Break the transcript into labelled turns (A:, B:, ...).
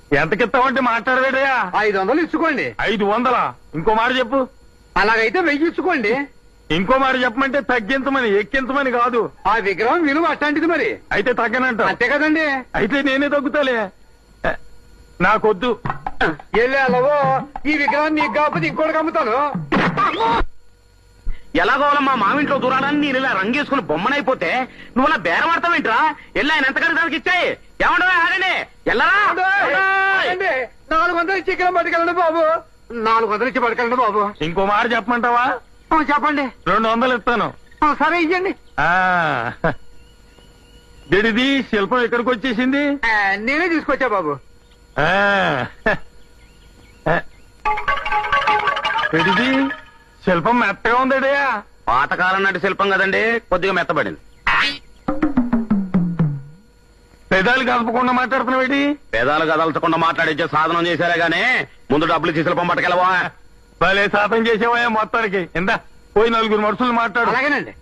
A: ఎంతకిస్తావంటే మాట్లాడవేడయా?
B: 500 ఇచ్చుకోండి.
A: 500? ఇంకో మాట చెప్పు.
B: అలాగైతే 1000 ఇచ్చుకోండి.
A: ఇంకో మాట చెప్పమంటే తగ్గించమని, ఎక్కించమని కాదు.
B: ఆ విగ్రహం విలువ అట్లాంటిది మరి.
A: అయితే తగ్గనంట.
B: అంతే కదండి.
A: అయితే నేనే తగ్గుతాలే. నాకొద్దు.
B: వెళ్ళాలవో ఈ విగ్రహం నీకు కాకపోతే ఇంకోటి అమ్ముతాను.
C: ఎలాగోవాలమ్మా మామింట్లో దూరాలని నేను ఇలా రంగేసుకుని బొమ్మనైపోతే నువ్వు అలా బేరం ఆడతావేంట్రా? వెళ్ళి ఆయన ఎంత దానికి ఇచ్చాయి. ఏమంటావా? ఆగండి. ఎల్లరా
B: 400 ఇచ్చి ఇక్కడ పట్టుకెళ్ళండి బాబు. 400 ఇచ్చి పట్టుకెళ్ళండి బాబు.
A: ఇంకో మాట చెప్పమంటావా?
B: చెప్పండి.
A: 200 ఇస్తాను.
B: సరే ఇయ్యండి.
A: గడిది శిల్పం ఎక్కడికి వచ్చేసింది?
B: నేనే తీసుకొచ్చా బాబు.
A: గడిది శిల్పం మెత్తగా ఉందడయా?
C: పాతకాలం నాటి శిల్పం కదండి, కొద్దిగా మెత్తబడింది.
A: పెదాలు కలపకుండా మాట్లాడుతున్నావేటి?
C: పేదాలు కదల్చకుండా మాట్లాడించే సాధనం చేశారే గానీ ముందు డబ్బులు ఇచ్చి శిల్పం పట్టుకెళ్ళవా?
A: భలే శాతం చేసేవా మొత్తానికి. ఎంత పోయి 4 మనుషులు మాట్లాడు.
B: అలాగేనండి.